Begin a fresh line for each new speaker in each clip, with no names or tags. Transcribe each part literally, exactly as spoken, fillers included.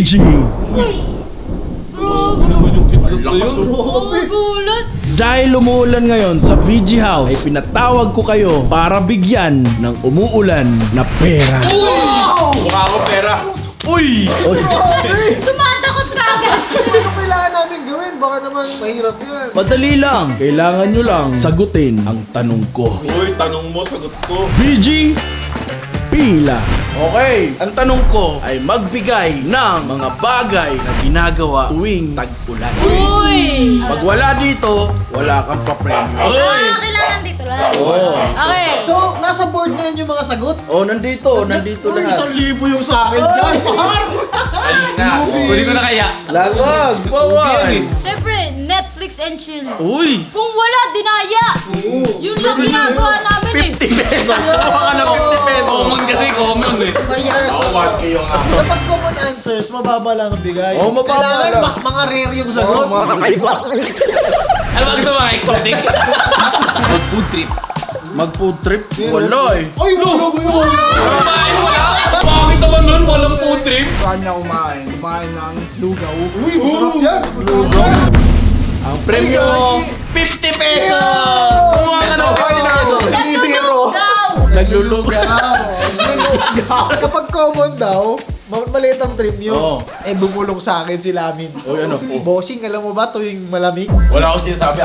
G!
Oh, gulat!
Dahil umuulan ngayon sa V G House, ay pinatawag ko kayo para bigyan ng umuulan na pera.
Mukha ko pera. Uy!
Tumatakot ka agad!
Ano kailangan namin gawin? Baka naman mahirap yan.
Madali lang. Kailangan nyo lang sagutin ang tanong ko.
Uy, tanong mo, sagot ko.
V G, pila. Okay, ang tanong ko ay magbigay ng mga bagay na ginagawa tuwing tag-ulan.
Uy!
Pag wala dito, wala kang papremyo.
Ah, kailangan dito lang.
Oo.
Okay.
So, nasa board na yun yung mga sagot?
Oh, nandito, nandito
Uy, isang
lahat.
libo yung sa akin dyan, par!
Ayun na. Kunin ko na kaya.
Lagag, bawal.
Siyempre, Netflix and chill.
Uy,
Kung wala, dinaya! Yun lang ginagawa namin eh.
fifty pesos. Baka na fifty pesos.
Common kasi, common eh. Ako, one K yung ako.
Kapag common answers, mababa lang ang bigay.
Oo, mababa
Kailangan
lang.
ma- mga rare yung sagot.
Mga kakaiba.
Ano ba gusto mga exotic? Mag-food trip.
Mag-food trip? Wala eh.
Ay, wala mo yun!
Kumain wala? Bakit naman nun? Walang food trip?
Saan niya kumain? Kumain ng lugaw.
Uy, masarap yan!
Ang premyo, fifty pesos! Kumuha ka ng fifty pesos.
Naglulugaw!
Naglulugaw.
Kapag common daw, ma- maliit ang premium.
Oo.
Eh, bumulong sa akin si Lamin.
Uy, ano?
Bossing, alam mo ba tuwing malamig?
Wala akong sinasabi.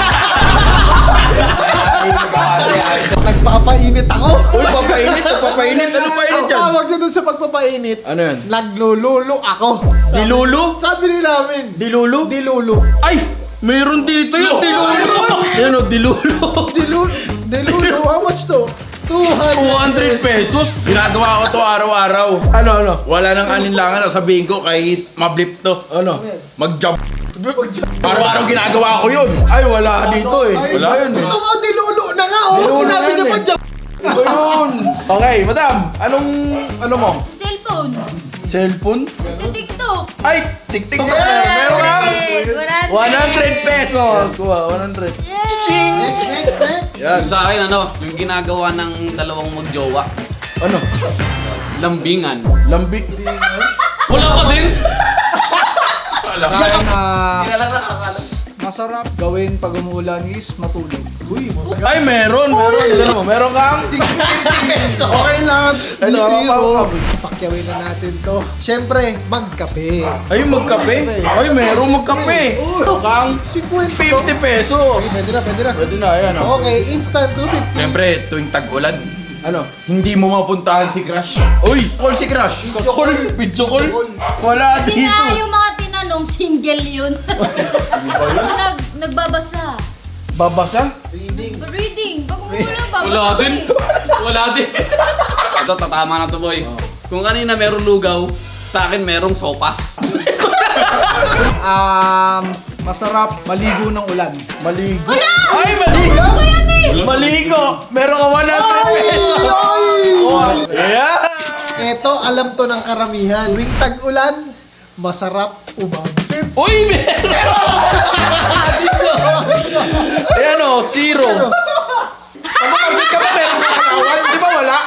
Nagpapainit ako.
Uy, papainit, papainit. Ano pa init
Ang
yan?
tawag na dun sa pagpapainit,
Ano yan?
naglululo ako.
Dilulu?
Sabi ni Lamin,
Dilulu?
dilulo.
Ay! Meron dito yung dilulu. Yan o, dilulu.
Dilulo? Dilulo? How much to? two
two hundred pesos?
Ginagawa ko to araw-araw.
Ano, ano?
Wala nang aninlangan. Sabihin ko kahit mablip to.
Ano?
Mag-jump. Araw-araw ginagawa ko yun.
Ay, wala dito eh. Wala yun eh.
Ito nga, dilulo na nga. Oh,
Dilulo
sinabi
na
niya
yan
pa
eh.
dyan.
Iba yun. Okay, madam. Anong, ano mo?
Cellphone.
Cellphone?
TikTok.
Ay, tik-tik na. Meron ka?
Yay!
one hundred pesos. Kuha, one hundred.
Yay!
Next, next, next.
Yan.
Yung sa akin, ano, yung ginagawa ng dalawang magjowa.
Ano?
Lambingan.
Lambik.
Wala ka din!
Kaya na
Hindi na lang nakakala.
masarap gawin pag umulan is matulog. Uy,
Ay, meron. Meron. Ano mo? Meron kang
Okay lang.
Ito,
Zero. Pakyawin na natin to. Siyempre, magkape.
Ay, magkape. Ay, meron magkape. Kang fifty pesos.
Pwede na, pwede na.
Pwede na, ayan o.
Okay, instant two fifty.
Siyempre, tuwing tag-ulan,
Ano?
hindi mo mapuntahan si Crush.
Uy, call si Crush. Call, video call. Wala
Kasi
dito.
nga yung mga tinanong, single yun. Nag, nagbabasa.
Babasa?
Reading.
Reading. Pag umulan, babasa.
Wala din.
eh.
Wala din. Ito, tatama na to, boy. Kung kanina meron lugaw, sa akin merong sopas.
um, masarap maligo ng ulan.
Maligo. Ay, maligo.
Ano yan eh?
Maligo. Meron ka one hundred pesos. Yeah.
Ito, alam to ng karamihan. Tuwing tag-ulan, masarap umamsip.
Uy, meron. Ayan o, zero. Ano kasi ka ba meron ka kawan? Di ba wala?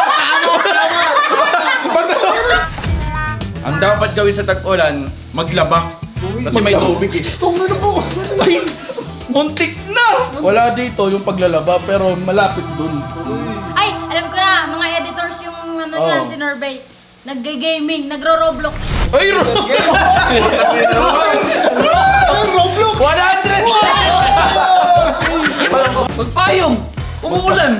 Ang dapat gawin sa tag-ulan, maglaba. Kasi may tubig eh.
Kung ano po.
Ay, muntik na. Wala dito yung paglalaba pero malapit dun.
Ay, alam ko na, mga editors yung ano
Oh.
yan, si Norbay. Nag-gaming, nagro-roblox.
Ay, Roblox!
Roblox!
one hundred!
Magpayong! Umuulan!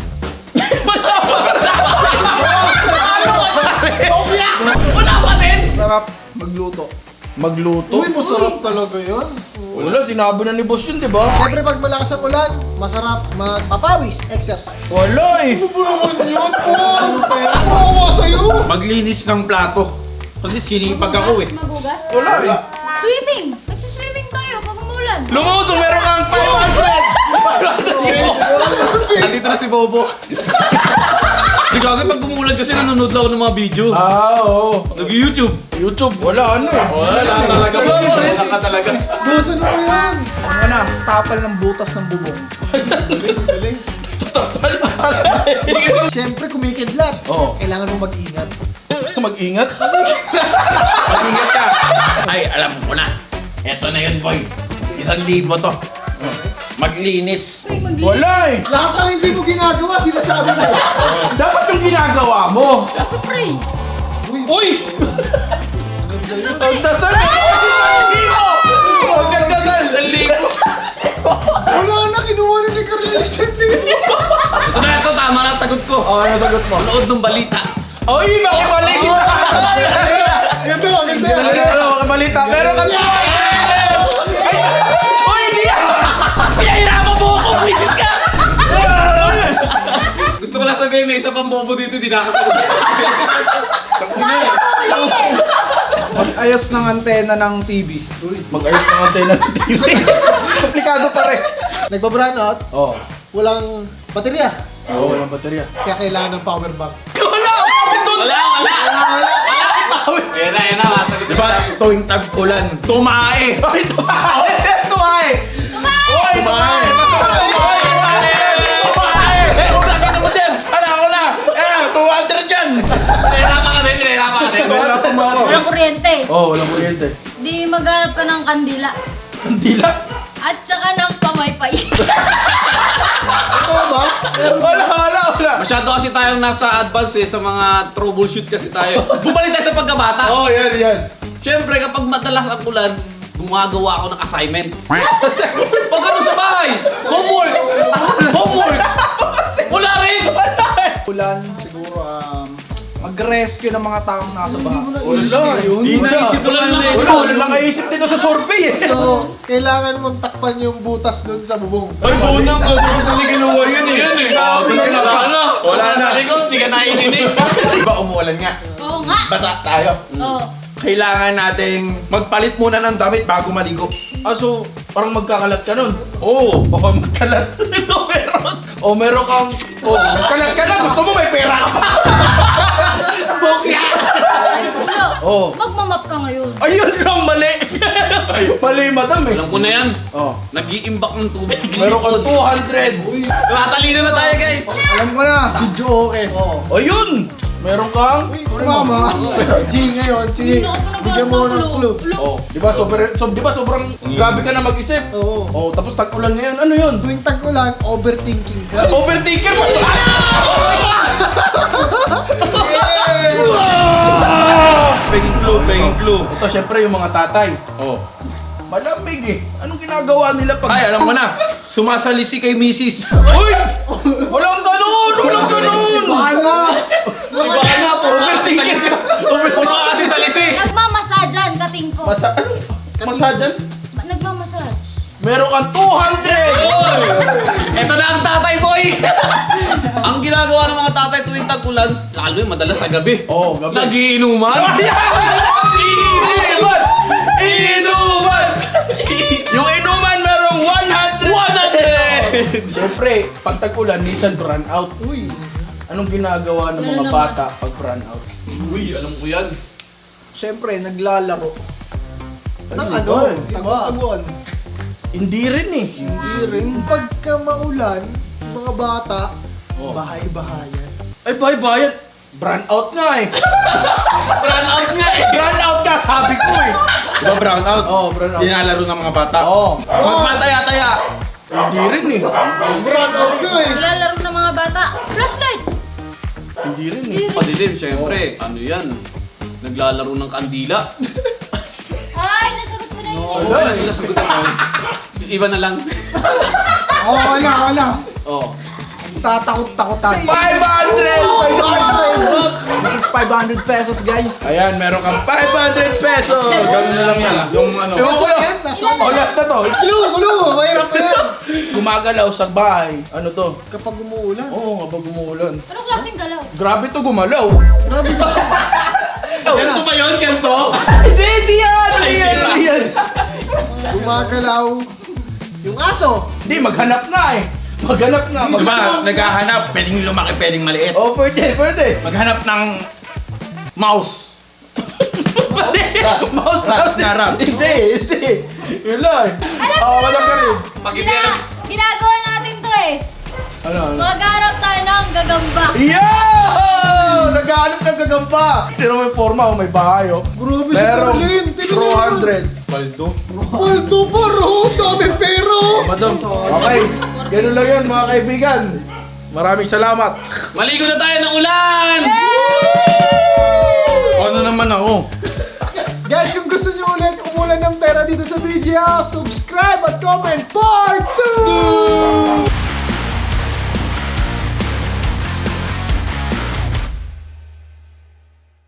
Wala pa din!
Masarap magluto.
Magluto?
Uy, masarap talaga yun.
Wala, sinabi na ni boss yun, di ba?
Siyempre, pag malakas ang ulan, masarap magpapawis, exercise.
Wala eh.
Ano ba naman yun, Paul? Kawawa sa'yo.
Maglinis ng plato. Kasi sinipag ako eh.
Magugas?
Wala eh.
Swimming! Nagsuswimming tayo pag umulan.
Lumusong, meron kang five hundred!
Andito na si Bobo. Hindi ko pag umuulan kasi nanonood lang ako ng mga video.
Ah, oo.
Nag-YouTube.
YouTube, wala ano eh.
Wala talaga. Wala ka talaga.
Gusto na mo yan.
Ano na, tapal ng butas ng bubong.
Siyempre, kumikidlat.
Oo.
Kailangan mo mag-ingat.
Mag-ingat.
Mag-ingat ka. Ay, alam ko na. Eto na yun, boy. Isang libo to. Maglinis.
Uy, maglinis.
Wala eh.
Lahat ng hindi mo ginagawa, sinasabi mo.
Dapat yung ginagawa mo.
Dapat pray.
Uy! Ang dasal eh! Ang gagdasal!
Wala na, kinuha na ni Carlina isang libo.
Ito na, ito, tama na ang sagot ko.
Oh, ano sagot mo?
Nood ng balita.
Uy, makibalik!
Ito, ang ganda.
Ano, makibalita. Meron ka na! Uy, hindi yan!
Pinahirapan mo ako! Wisit ka!
Gusto ko lang sabihin, may isa pang bobo dito, di nakasagot.
Mag-ayos ng antena ng T V.
Mag-ayos ng antena ng T V. Komplikado pa rin.
Nagba-brown out,
Oh.
walang baterya.
Oo, oh, walang baterya.
Kaya kailangan ng power bank.
Wala!
Wala, wala! Wala! Yan na, yan na, masagot
Diba, tuwing tag-ulan, tumae.
Ay, tumae! Tumae! Uy, tumae! Masarap! Tumae! Tumae! Eh, ulang ka naman dyan! Ala, ako na! Eh, two hundred dyan!
Pinahirapan ka din, pinahirapan ka din.
Pinahirapan mo ako.
Walang kuryente.
Oo, oh, walang kuryente.
Di maghanap ka ng kandila.
Kandila?
At saka ng pamaypay.
Ito ba?
Wala, wala, wala!
Masyado kasi tayong nasa advance eh, sa mga troubleshoot kasi tayo. Bumalik tayo sa pagkabata.
Oo, oh, yan, yan.
Siyempre, kapag madalas ang ulan, gumagawa ako ng assignment. Pag ano sa bahay, homework! Homework! Wala rin!
Ulan, siguro um, mag-rescue ng mga taong nasa baha.
Wala, yun.
Di naisip ko lang eh.
Wala, wala nakaisip dito sa survey eh.
So, kailangan mong takpan yung butas dun sa bubong.
Ay, bunang ko. Hindi kinuha yun eh.
Yun eh.
Ah,
Wala
wala
na.
na. Wala na.
Sa likod, di ka naiinig.
Diba umuulan nga?
Oo nga.
Basa tayo.
Oo.
Kailangan nating magpalit muna ng damit bago maligo.
Ah, so, parang magkakalat ka nun.
Oo.
Oo, magkalat. Ito meron. O, meron kang... O, magkalat ka na. Gusto mo may pera ka pa. Bokya!
Ulo,
Oo.
magmamap ka ngayon.
Ayun lang, mali. Mali, madam eh.
Alam ko na yan.
Oh.
Nag-iimbak ng tubig.
Meron kang two hundred.
Tumatalino na tayo, guys.
Alam ko na.
Video okay. Oo.
O, yun. Meron kang...
Uy, mama. G ngayon, sige.
Hindi ako pa
Bigyan mo
nagkakagulo.
ng clue.
Ulo.
Oh, di ba sobrang so, di ba sobrang grabe ka na mag-isip.
Oo.
Oh, tapos tag-ulan ngayon. Ano 'yun?
Tuwing tag-ulan, overthinking ka.
Overthinker mo.
Penging clue, penging clue.
Ito syempre yung mga tatay.
Oh.
Malamig eh. Anong ginagawa nila pag
Ay, alam mo na. Sumasalisi kay misis.
Uy! Walang ganun! Walang ganun!
Bahala!
Iba ka na, puro ka kasi
Overthinker
salisi.
ka.
Puro ka kasi salisi.
Nagmamasajan, kating ko.
Masa ano? Masajan?
Nagmamasaj.
Meron kang two hundred!
Oy! Ito na ang tatay, boy! Ang ginagawa ng mga tatay tuwing tag-ulan, lalo yung madalas sa gabi.
Oh, gabi.
Nagiinuman.
Inuman! Inuman! Yung inuman merong one hundred!
one hundred!
Siyempre, pag tag-ulan, minsan burn out. Uy! Anong ginagawa ng
Meron
mga
naman.
bata pag burn out?
Uy, alam ko yan.
Siyempre, naglalaro.
Ng
Ano
ano?
ba eh?
Tag-taguan.
Hindi rin eh.
Hindi rin.
Pagka maulan, yung mga bata,
Oh.
bahay-bahayan.
Ay, bye bye. Burn out nga eh.
Run out nga eh.
Burn out ka, sabi ko eh.
Diba brown out?
Oo, brown out.
Dinalaro ng mga bata.
Oo.
Magmataya-taya.
Hindi rin eh.
Brown out ka eh.
Nilalaro ng mga bata. Flashlight.
Hindi rin eh.
Hindi rin.
Padilim, syempre. Ano yan? Naglalaro ng kandila.
Ay, nasagot ko na yun.
Wala
Wala
eh.
sila sagutan mo. Iba na lang.
Oo, wala, wala.
Oh.
Tatakot-takotan.
five hundred!
This is five hundred pesos, guys.
Ayan, meron kang five hundred pesos!
Ganun na lang yan. Yung ano.
Yung
Nasa
ulo.
yan, nasa
Oh, last na to.
Clue, clue! Mahirap na yan.
Gumagalaw sa bahay. Ano to?
Kapag umuulan.
Oo, kapag umuulan.
Anong klaseng galaw?
Grabe to gumalaw.
Ganto ba yun? Ganto?
Hindi, hindi yan! Hindi yan, hindi yan.
Gumagalaw. Yung aso.
Hindi, maghanap nga eh. Maghanap nga. Mag-
Diba, naghahanap. Pwedeng lumaki, pwedeng maliit.
Oh, pwede, pwede.
Maghanap ng mouse.
Pwede. Mouse
Rat
out.
na rat.
Hindi, hindi. Yun lang. Oo, madam ka rin.
Pag hindi
Gina
alam.
ginagawa natin to eh.
Ano, ano?
Maghanap tayo ng gagamba.
Yeah! Oh! Naghahanap ng gagamba! Tira mo yung forma, oh, may bahay, oh.
Grabe si
Merong
Carlin. Tingnan
two
niyo.
hundred. Paldo.
Paldo pa ro. Dami pero.
Madam, okay. Ganun lang yun, mga kaibigan. Maraming salamat.
Maligo na tayo ng ulan!
Ano naman ako?
Guys, kung gusto niyo ulit umulan ng pera dito sa B G House, subscribe at comment part two!